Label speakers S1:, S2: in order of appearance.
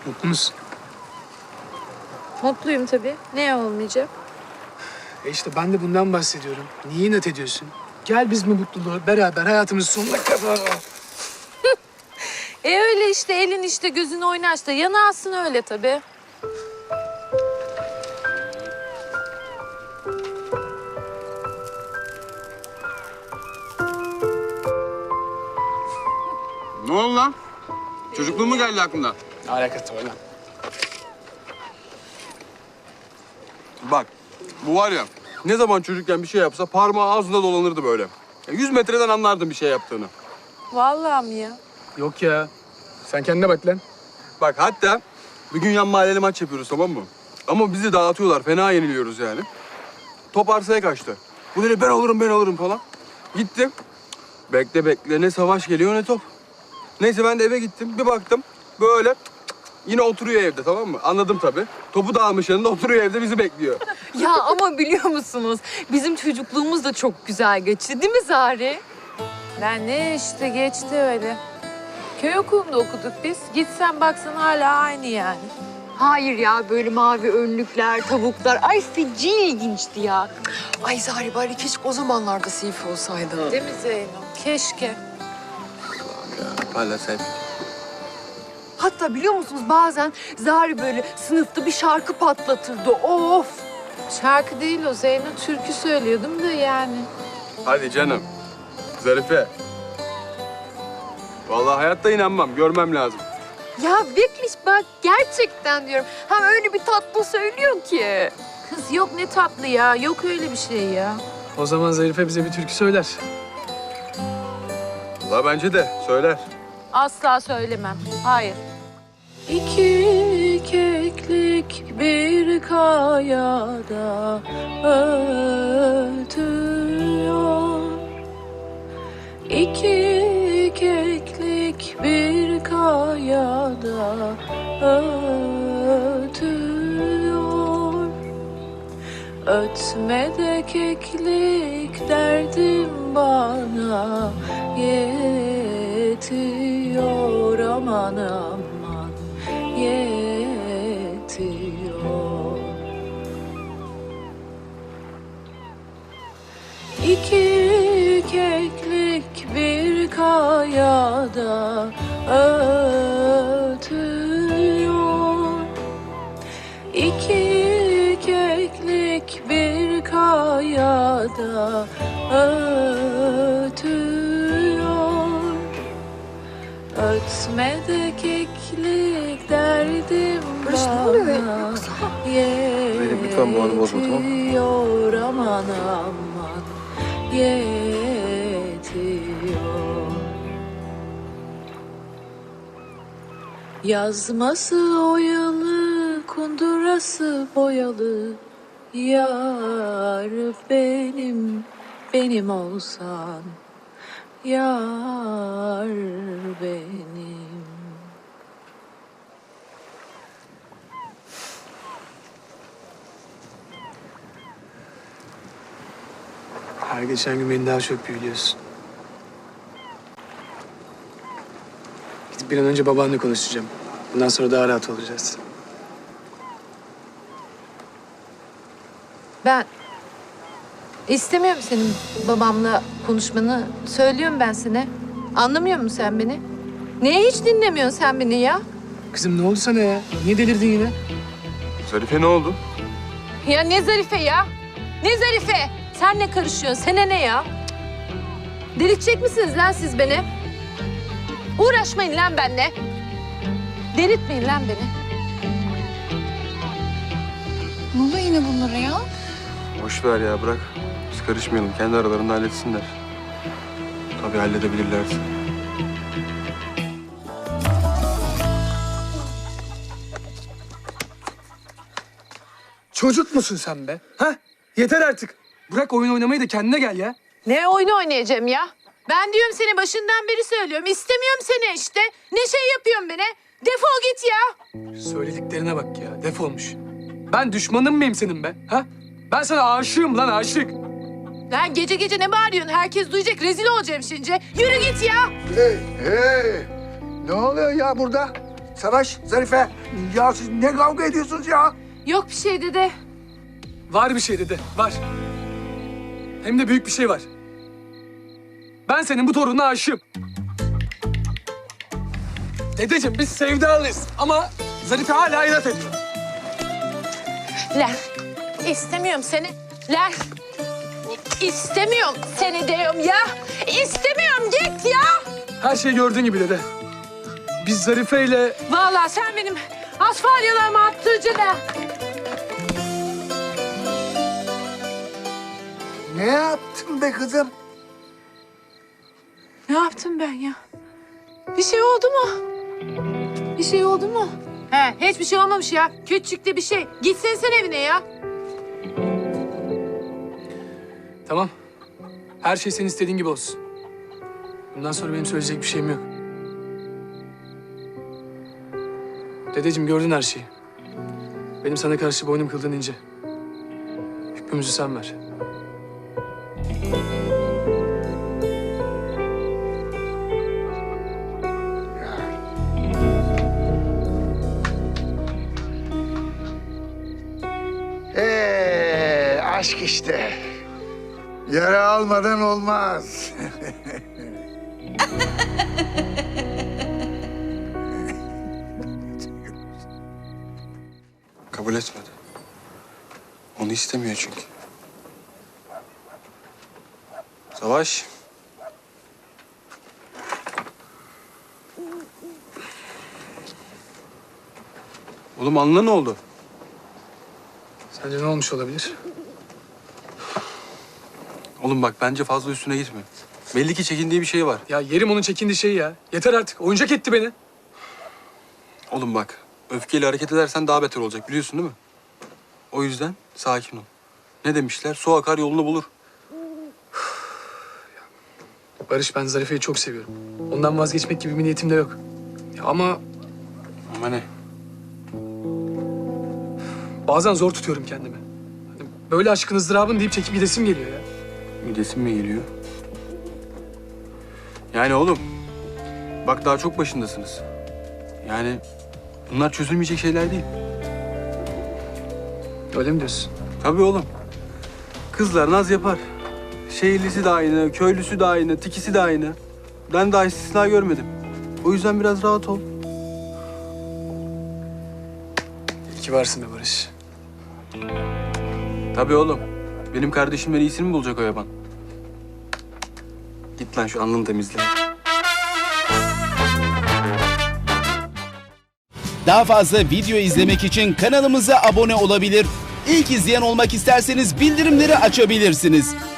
S1: Mutlu musun?
S2: Mutluyum tabii. Ne olmayacak?
S1: İşte ben de bundan bahsediyorum. Niye inat ediyorsun? Gel biz bu mutluluğu beraber hayatımızın sonuna kadar.
S2: Öyle işte elin işte gözün oynaşta. Yanarsın öyle tabii.
S3: Ne oldu lan? Çocukluğun mu geldi aklına?
S1: Ne alakası var lan?
S3: Bak, bu var ya, ne zaman çocukken bir şey yapsa parmağı ağzında dolanırdı böyle. Ya 100 metreden anlardım bir şey yaptığını.
S2: Vallahi mi ya?
S1: Yok ya. Sen kendine bak lan.
S3: Bak hatta bir gün yan mahalleli maç yapıyoruz, tamam mı? Ama bizi dağıtıyorlar, fena yeniliyoruz yani. Top arsaya kaçtı. Bu dedi ben alırım falan. Gittim. Bekle ne savaş geliyor ne top. Neyse ben de eve gittim, bir baktım böyle yine oturuyor evde, tamam mı? Anladım tabii. Topu da almış yanında, oturuyor evde bizi bekliyor.
S4: Ya ama biliyor musunuz? Bizim çocukluğumuz da çok güzel geçti değil mi Zari?
S2: Ben ne işte geçti öyle. Köy okulunda okuduk biz. Gitsen baksan hala aynı yani.
S4: Hayır ya böyle mavi önlükler, tavuklar. Ay feci ilginçti ya. Ay Zari bari keşke o zamanlarda Seyfi olsaydı.
S2: Değil mi Zeyno? Keşke.
S3: Hala sen.
S4: Hatta biliyor musunuz bazen Zari böyle sınıfta bir şarkı patlatırdı. Of!
S2: Şarkı değil o Zeyno. Türkü söylüyordum da yani.
S3: Hadi canım. Zarife. Vallahi hayatta inanmam, görmem lazım.
S4: Ya wirklich bak gerçekten diyorum. Hem öyle bir tatlı söylüyor ki.
S2: Kız yok ne tatlı ya. Yok öyle bir şey ya.
S1: O zaman Zarife bize bir türkü söyler.
S3: Vallahi bence de söyler.
S2: Asla söylemem. Hayır. İki keklik bir kayada ötüyor. İki keklik bir kayada ötüyor. Ötme de keklik derdim bana yetiyor aman aman yetiyor. İki keklik bir kayada ötüyor. İki keklik bir kayada ötüyor. Ötme de keklik derdim
S4: Barış, ne
S2: bana
S4: oluyor ya? Yoksa?
S3: Zeynep, lütfen bu anı bozma, tamam mı?
S2: yetiyor aman aman yetiyor. Yazması oyalı, kundurası boyalı. Yar benim olsan. Yar benim.
S1: Her geçen gün beni daha çok büyülüyorsun. Gidip bir an önce babanla konuşacağım. Bundan sonra daha rahat olacağız.
S2: Ben istemiyorum senin babamla konuşmanı. Söylüyorum ben sana. Anlamıyor musun sen beni? Niye hiç dinlemiyorsun sen beni ya?
S1: Kızım ne oldu sana ya? Niye delirdin yine?
S3: Zarife ne oldu?
S2: Ya ne Zarife ya? Ne Zarife? Sen ne karışıyorsun? Sana ne ya? Cık. Delirtecek misiniz lan siz beni? Uğraşmayın lan benimle. Delirtmeyin lan beni.
S4: Ne oluyor yine bunlara ya?
S3: Boş ver ya, bırak. Biz karışmayalım, kendi aralarında halletsinler. Tabii halledebilirlerse.
S1: Çocuk musun sen be? Ha? Yeter artık. Bırak oyun oynamayı da kendine gel ya.
S2: Ne oyunu oynayacağım ya? Ben diyorum seni başından beri söylüyorum. İstemiyorum seni işte. Ne şey yapıyorsun beni? Defol git ya.
S1: Söylediklerine bak ya. Defolmuş. Ben düşmanın mıyım senin be? Ha? Ben sana aşığım lan aşık.
S2: Lan gece gece ne bağırıyorsun? Herkes duyacak. Rezil olacağım şimdi. Yürü git ya.
S5: Hey, hey! Ne oluyor ya burada? Savaş, Zarife. Ya siz ne kavga ediyorsunuz ya?
S2: Yok bir şey dede.
S1: Var bir şey dede, var. Hem de büyük bir şey var. Ben senin bu torununa aşığım. Dedeciğim biz sevdalıyız ama Zarife hala inat ediyor.
S2: Lan istemiyorum seni. Lan istemiyorum seni diyorum ya. İstemiyorum git ya.
S1: Her şeyi gördüğün gibi dede. Biz Zarife ile...
S2: Vallahi sen benim asfalyalarımı attırıcına.
S5: Ne yaptın be kızım?
S2: Ne yaptım ben ya? Bir şey oldu mu? Bir şey oldu mu? He, hiçbir şey olmamış ya. Küçük de bir şey. Gitsen sen evine ya.
S1: Tamam. Her şey senin istediğin gibi olsun. Bundan sonra benim söyleyecek bir şeyim yok. Dedeciğim gördün her şeyi. Benim sana karşı boynum kıldan ince. Hükmümüzü sen ver.
S5: Aşk işte. Yara almadan olmaz.
S3: Kabul etmedi. Onu istemiyor çünkü. Savaş. Oğlum alnına ne oldu?
S1: Sence ne olmuş olabilir?
S3: Oğlum bak bence fazla üstüne gitme. Belli ki çekindiği bir şey var.
S1: Ya yerim onun çekindiği şeyi ya. Yeter artık. Oyuncak etti beni.
S3: Oğlum bak öfkeyle hareket edersen daha beter olacak biliyorsun değil mi? O yüzden sakin ol. Ne demişler? Su akar yolunu bulur.
S1: Barış, ben Zarife'yi çok seviyorum. Ondan vazgeçmek gibi bir niyetim de yok. Ya ama
S3: Ama ne?
S1: bazen zor tutuyorum kendimi. Hani böyle aşkın ızdırabını deyip çekip gidesim geliyor ya.
S3: Midesin mi geliyor? Yani oğlum bak daha çok başındasınız. Yani bunlar çözülmeyecek şeyler değil.
S1: Öyle mi diyorsun?
S3: Tabii oğlum. Kızlar naz yapar. Şehirlisi de aynı, köylüsü de aynı, tikisi de aynı. Ben daha istisna görmedim. O yüzden biraz rahat ol.
S1: İyi ki varsın be Barış.
S3: Tabii oğlum. Benim kardeşimden iyisini mi bulacak o yaban? Git lan şu alnını temizle.
S6: Daha fazla video izlemek için kanalımıza abone olabilir. İlk izleyen olmak isterseniz bildirimleri açabilirsiniz.